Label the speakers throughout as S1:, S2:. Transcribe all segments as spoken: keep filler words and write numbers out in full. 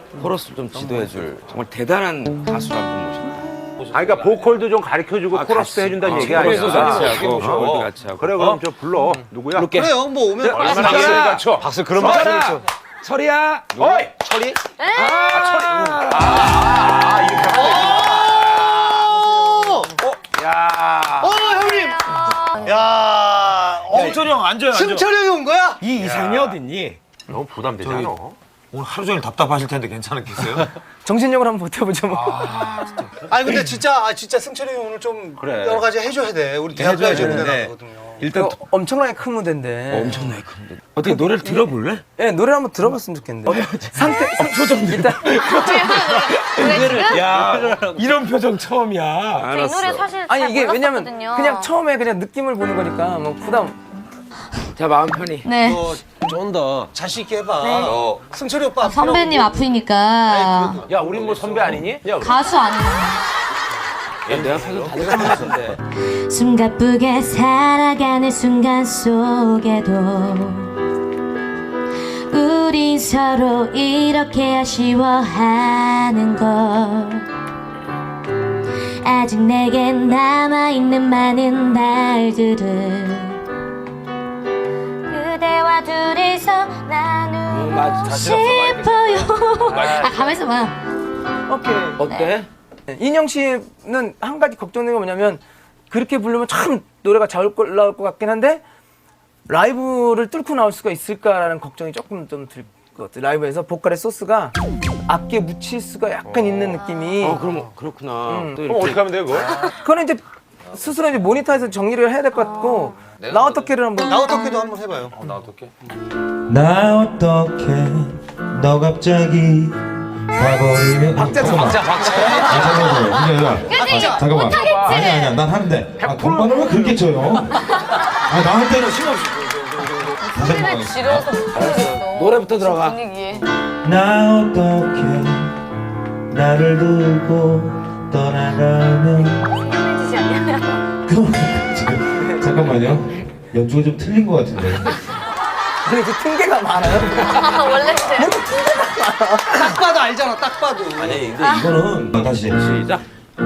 S1: 코러스를 좀 지도해줄 정말 대단한 가수를 한 분 모셨다.
S2: 아, 그러니까 보컬도 좀 가르쳐주고
S1: 아,
S2: 코러스도
S1: 같이.
S2: 해준다는
S1: 아,
S2: 얘기 아니야?
S1: 코러스도 같이 하고,
S2: 어.
S1: 보컬도 같이 하고.
S2: 그래, 그럼 저 불러. 누구야?
S1: 부를게.
S3: 그래요, 뭐 오면
S2: 얼마나
S1: 박수.
S2: 박수를 쳐?
S3: 박수 그런 거
S1: 설아!
S3: 하시겠죠.
S1: 설이야!
S2: 어이!
S3: 철이?
S2: 아, 이렇게 하면
S3: 오!
S2: 돼. 야.
S3: 어, 형님! 야, 어,
S4: 승철이 형 앉아요, 앉아.
S3: 승철이 형이 온 거야?
S4: 이 이상이 어딨니?
S2: 너무 부담되잖아.
S4: 오늘 하루 종일 답답하실 텐데 괜찮겠어요?
S5: 정신력을 한번 버텨보자 뭐.
S3: 아니 근데 진짜 아 진짜 승철이 형 오늘 좀
S2: 그래.
S3: 여러 가지 해줘야 돼. 우리 대학가야제 무대
S4: 되는데.
S3: 나거든요.
S1: 일단
S5: 어, 엄청나게 큰 무대인데.
S1: 엄청나게 큰데. 어떻게 노래를 들어볼래?
S5: 예, 노래 한번 들어봤으면 좋겠는데. 상태, 표정 일단.
S1: 야, 이런 표정 처음이야.
S6: 저 이 노래 사실
S5: 아니
S6: 잘
S5: 이게 왜냐면
S6: 몰랐었거든요.
S5: 그냥 처음에 그냥 느낌을 보는 거니까 뭐 부담.
S1: 자, 마음 편히.
S6: 네.
S3: 쫀다. 자신 있게 해봐.
S6: 네.
S3: 어. 승철이 오빠.
S6: 선배님 아프니까
S2: 야, 우린 뭐 선배 아니니? 야,
S6: 가수 아니에요.
S1: 야, 내 앞에서 다들 것 같은데.
S6: 숨가쁘게 살아가는 순간 속에도 우린 서로 이렇게 아쉬워하는 걸 아직 내겐 남아있는 많은 날들을 그대와 둘이서 나누고
S1: 맞아.
S6: 싶어요. 아 가만있어 봐.
S5: 오케이.
S1: 어때?
S5: 네, 인형 씨는 한 가지 걱정되는 게 뭐냐면 그렇게 부르면 참 노래가 잘 올라올 것 같긴 한데 라이브를 뚫고 나올 수가 있을까라는 걱정이 조금 좀 들 것 같아요. 라이브에서 보컬의 소스가 악기에 묻힐 수가 약간 있는 느낌이.
S1: 어, 그럼 그렇구나.
S5: 음.
S1: 또
S2: 그럼
S1: 이렇게.
S2: 어떻게 하면 돼, 그거?
S5: 그거는 이제 스스로 이제 모니터에서 정리를 해야 될 것 같고 나 어떻게를 한번.
S3: 나 어떻게도 한번 해봐요.
S2: 나 어떡해?
S7: 나 어떻게 너 갑자기 가버리면
S5: 박자 좀
S7: 박자 박자 아 잠깐만요 그게 아니라 아, 잠깐만 아니 아니야 난 하는데 아, 건반을 왜 그렇게 쳐요 아 나한테는 신없이 다시 한번 하겠습니다.
S6: 지려서
S1: 노래부터 들어가.
S6: 분위기에.
S7: 나 어떻게 나를 두고 떠나가면
S6: 짓이 아니야.
S7: 그럼 자, 잠깐만요 연주가 좀 틀린 것 같은데
S5: 근데 그 핑계가 많아요.
S6: 원래
S3: 딱 봐도 알잖아. 딱 봐도.
S7: 아니 근데 이거는 아, 다시
S1: 시작.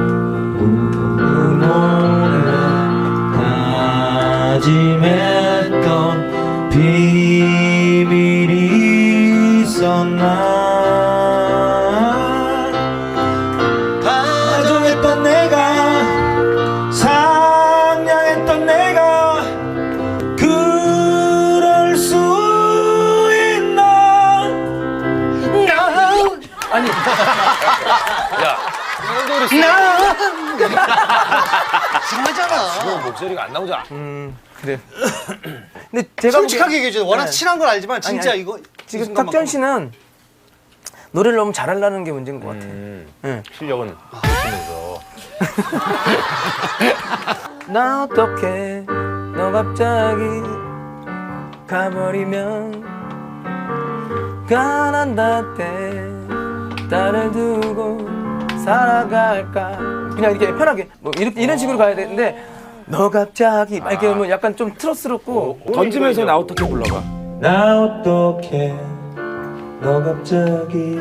S7: 다짐했던 비밀이 있었나 다정했던 내가 상냥했던 내가 그럴 수 있나
S5: 아니
S3: 이상하잖아.
S2: 목소리가 안 나오잖아.
S5: 그래. 근데 제가
S3: 솔직하게 얘기해 줘. 워낙
S5: 네.
S3: 친한 걸 알지만 진짜
S5: 아니,
S3: 이거
S5: 지금
S3: 이
S5: 탁전
S3: 순간만큼.
S5: 씨는 노래를 너무 잘하려는 게 문제인 것 같아요.
S2: 음,
S5: 응.
S2: 실력은 있으면서.
S5: 나 어떻게 너 갑자기 가버리면 가난다 때 딸을 두고 살아갈까 그냥 이렇게 편하게 뭐 이렇게 이런 식으로 가야 되는데 너 갑자기 막 이렇게 뭐 약간 좀 트러스럽고
S1: 던지면서 나 어떻게 불러봐.
S7: 나 어떻게 너 갑자기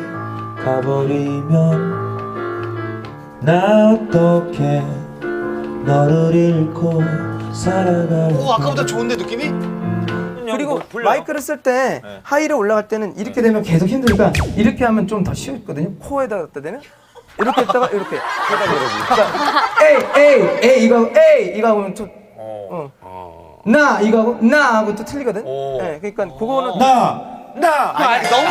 S7: 가버리면 나 어떻게 너를 잃고 살아갈까
S3: 오 아까보다 좋은데 느낌이?
S5: 그리고 마이크를 쓸 때 하이를 올라갈 때는 이렇게 되면 계속 힘드니까 이렇게 하면 좀 더 쉬웠거든요. 코에다 갖다 대면 이렇게 했다가 이렇게 그러니까 에이 에이 에이 이거 하고 에이 이거 하면 또 어. 나 이거 하고 나 하고 또 틀리거든. 네, 그러니까 그거는
S7: 나
S3: 아니 너무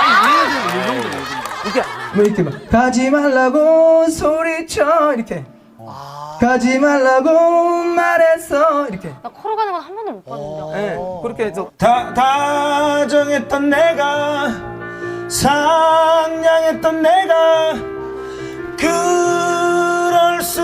S5: 이렇게 뭐 이렇게 막 가지 말라고 소리쳐 이렇게 가지 말라고 말했어 이렇게.
S6: 나 코로 가는 건 한 번도 못 봤는데.
S5: 네, 그렇게 해서
S7: 다, 다정했던 내가 상냥했던 내가 그럴 수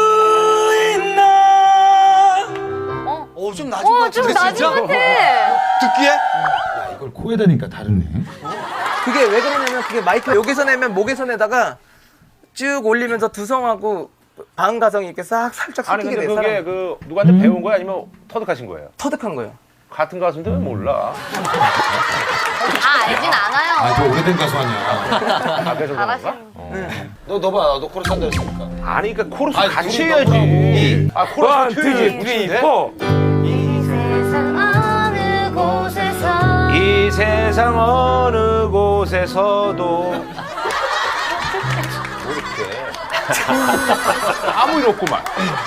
S7: 있나
S3: 어, 좀 낮은 것
S6: 어,
S3: 같은데
S6: 좀 낮은
S3: 진짜?
S6: 것 같아.
S3: 듣기에?
S7: 이걸 코에 다니까 다르네
S5: 그게 왜 그러냐면 그게 마이크 여기서 내면 목에서 내다가 쭉 올리면서 두성하고 방 가성이 이렇게 싹 살짝
S2: 아니,
S5: 섞이게
S2: 근데
S5: 돼.
S2: 그게
S5: 사람
S2: 그 누구한테 배운 거야? 아니면 터득하신 거예요?
S5: 터득한 거예요.
S2: 같은 가수인데 왜 몰라?
S6: 아 알진 않아요.
S7: 아, 저 오래된 가수 아니야.
S2: 아, 그래서 그런가?
S6: 잘하시는.
S4: 너, 너 봐. 너 코러스 한다 했으니까.
S2: 아니, 그러니까 코러스
S4: 아니,
S2: 같이
S4: 둘이
S2: 해야지. 아,
S1: 원,
S2: 코러스
S1: 투,
S2: 튀지.
S1: 우리 이뻐.
S6: 이 세상 어느 곳에서
S2: 이 세상 어느 곳에서도 이렇게 아무 일 없구만.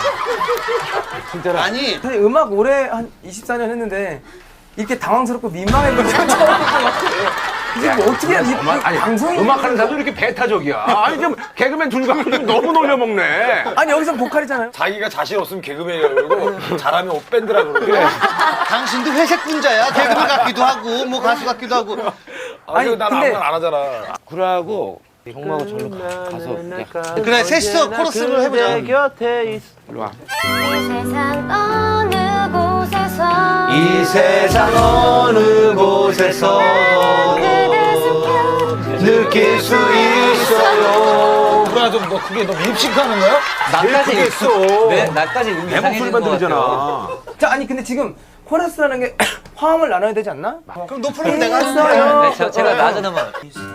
S3: 아니
S5: 사실 음악 올해 한 이십사 년 했는데 이렇게 당황스럽고 민망했던 적 처음 본것 같아요. 이게 뭐 어떻게 해야 이
S2: 음악, 아니,
S5: 방송이
S2: 음악하는 사람도 이렇게 배타적이야. 아니, 좀 개그맨 둘 갖고 좀 너무 놀려먹네.
S5: 아니 여기서 보컬이잖아요.
S4: 자기가 자신 없으면 개그맨이라고 그러고 잘하면 밴드라고 그러고.
S2: 그래.
S3: 당신도 회색 분자야. 개그맨 같기도 하고 뭐 가수 같기도 하고.
S4: 아니,
S5: 아니,
S4: 난
S5: 근데-
S4: 아무나 안 하잖아.
S1: 구라하고 정마하고 절로 가, 가서 그냥
S3: 그래 셋이서 코러스를 해보자.
S2: 내 곁에 있어.
S1: 일로 와.
S6: 이 세상 어느 곳에서
S2: 이 세상 어느 곳에서
S6: 그대 숨겨
S2: 느낄 수 있어요.
S4: 구라 좀 너 크게 너 립싱크하는 거야?
S2: 나까지 했어.
S8: 네, 나까지 음이
S2: 내 목소리만 들리잖아.
S5: 자 아니 근데 지금 코러스라는 게 화음을 나눠야 되지 않나?
S3: 그럼 높은 내가 하는 거야.
S5: 했어요.
S8: 네, 저, 제가 낮은 음원.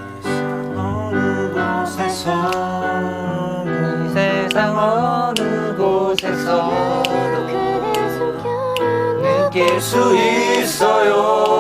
S8: 이 세상 어느 곳에서
S6: 그대 숨겨
S8: 느낄 수 있어요.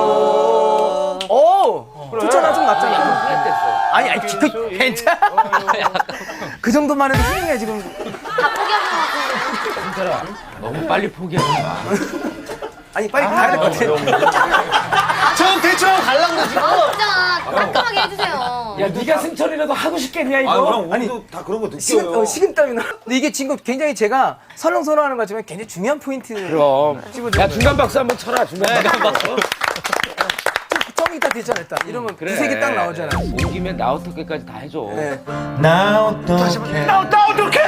S5: 오 좋잖아 좀 낫잖아. 아니 아니 그, 괜찮아. 그 정도만 해도 훌륭해 지금.
S6: 다 포기하신 것 같은데.
S1: 너무 빨리 포기하지 마.
S5: 아니 빨리 가야 될 것 같아.
S3: 전 대충 가려고 그래 지금.
S6: 아 진짜 깔끔하게 해주세요.
S1: 야, 네가 승철이라도 하고 싶겠냐 이거?
S4: 아, 형 우리도 다 그런 거 느껴요.
S5: 식은, 어, 식은땀이 나. 근데 이게 지금 굉장히 제가 설렁설렁하는 것 같지만 굉장히 중요한 포인트를
S1: 그럼.
S5: 집어주는
S1: 야, 중간 박수 한번 쳐라. 중간 박수.
S5: 점이 딱 됐잖아 일단. 이러면 두색이 딱 나오잖아.
S1: 온 김에 나 어떻게까지 다 해줘.
S5: 네.
S7: 나 어떡해.
S2: 나, 나 어떡해!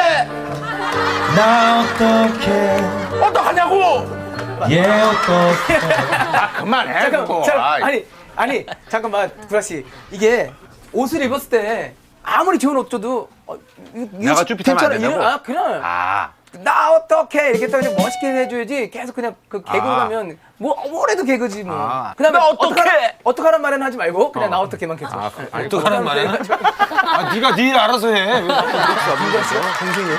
S7: 나 어떡해.
S2: 어떡하냐고!
S7: 얘 어떡해.
S2: 아, 그만해.
S5: 잠깐,
S2: 그거.
S5: 잠깐
S2: 아이.
S5: 아니 아니 잠깐만 구라 씨 이게 옷을 입었을 때 아무리 좋은 옷 줘도 어, 이- 이거
S2: 내가 쭈삣하면 안
S5: 괜찮아.
S2: 된다고?
S5: 이런- 아 그냥
S2: 아.
S5: 나 어떡해 이렇게 딱 그냥 멋있게 해줘야지 계속 그냥 그 개그
S2: 아.
S5: 가면 뭐 뭐래도 개그지 뭐.
S2: 아.
S5: 그다음에
S2: 나 어떡해!
S5: 어떡하란 말은 하지 말고 그냥 나 어떡해만 계속.
S2: 아,
S5: 네.
S2: 아니,
S4: 어떡하란 말이야? 아, 네가 네 일 알아서 해. 왜
S5: 구라 씨가 동생이에요?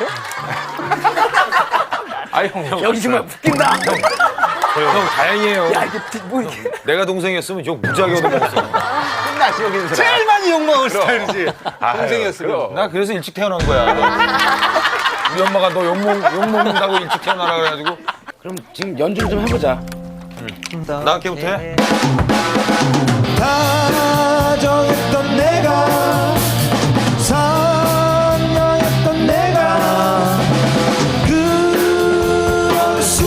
S2: 아이, 형, 형.
S5: 여기 정말 웃긴다.
S4: 형 다행이에요.
S5: 야 이게 디- 뭐 이렇게.
S4: 내가 동생이었으면 욕 무지하게 얻어먹었어.
S2: 끝났지, 여기는 사람.
S3: 제일 많이 욕 먹을 스타일이지.
S2: 아유,
S3: 동생이었으면.
S2: 그럼.
S4: 나 그래서 일찍 태어난 거야. 우리 엄마가 너 욕 먹는다고 일찍 태어나라 그래가지고
S1: 그럼 지금 연주를 좀 해보자.
S4: 나 함께부터 해.
S7: 다정했던 내가 선명했던 내가 그럴 수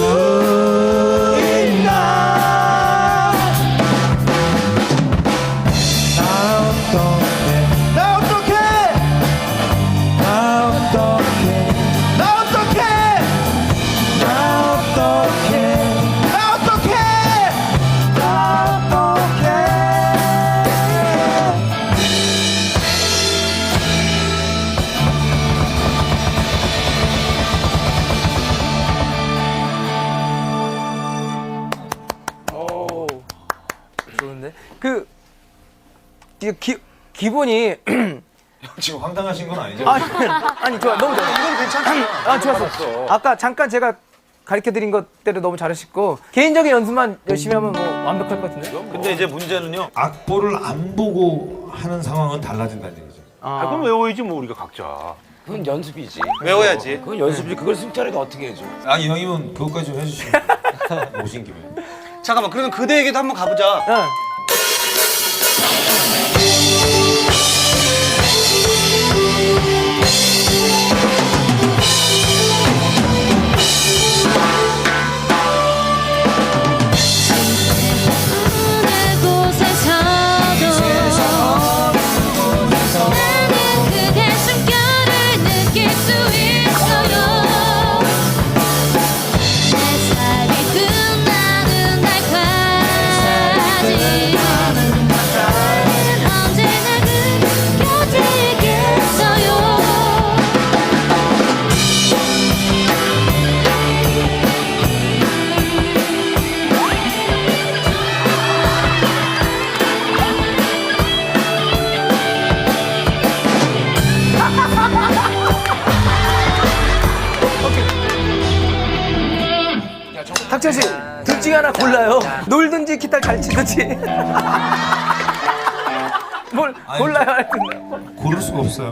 S7: 있나. 나 어떡해. 나 어떡해. 나 어떡해. 나 어떡해. 나 어떡해. 나 어떡해. 나 어떡해.
S5: 오 좋은데 그 이게 기 기본이
S7: 지금 황당하신 건 아니죠?
S5: 아니 아니 좋아 너무 좋아.
S3: 이건 괜찮아.
S5: 아 좋았어. 아까 잠깐 제가 가르쳐 드린 것대로 너무 잘하셨고 개인적인 연습만 열심히 하면 뭐 완벽할 것 같은데.
S4: 근데 이제 문제는요.
S7: 악보를 안 보고 하는 상황은 달라진다는 얘기죠.
S2: 아, 그럼 외워야지, 뭐, 우리가 각자.
S1: 그건 연습이지.
S3: 외워야지.
S1: 그건 연습이지. 그걸 승철이가 어떻게 해줘?
S7: 아 이왕이면 그것까지 좀 해주시면 오신 김에.
S3: 잠깐만 그러면 그대에게도 한번 가보자.
S5: 응.
S6: 어느 곳에서도 나는 그대 숨결을 느낄 수 있어요. 내 삶이 끝나는 날까지
S5: 탁천 씨, 둘 중에 하나 골라요. 놀든지 기타 잘 치든지. 뭘 골라야 할 건데.
S7: 고를 수가 없어요.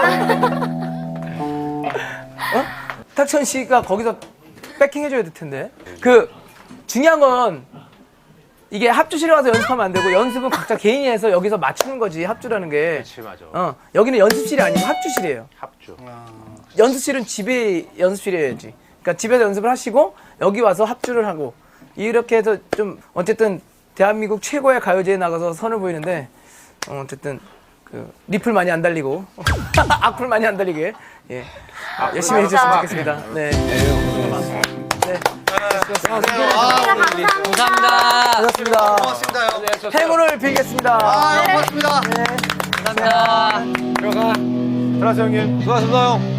S5: 어? 탁천 씨가 거기서 백킹 해줘야 될 텐데. 그 중요한 건 이게 합주실에 와서 연습하면 안 되고 연습은 각자 개인이 해서 여기서 맞추는 거지 합주라는 게.
S2: 그렇지, 맞아.
S5: 어, 여기는 연습실이 아니고 합주실이에요.
S2: 합주.
S5: 연습실은 집에 연습실이어야지. 그러니까 집에서 연습을 하시고 여기 와서 합주를 하고 이렇게 해서 좀 어쨌든 대한민국 최고의 가요제에 나가서 선을 보이는데 어, 어쨌든 그 리플 많이 안 달리고 악플 많이 안 달리게 예 열심히 해주셨으면 좋겠습니다. 네. 네.
S8: 감사합니다.
S5: 고맙습니다.
S3: 고맙습니다, 형.
S5: 행운을 빌겠습니다.
S3: 아, 형, 고맙습니다.
S8: 감사합니다.
S2: 들어가세요, 형님.
S4: 수고하셨습니다 형.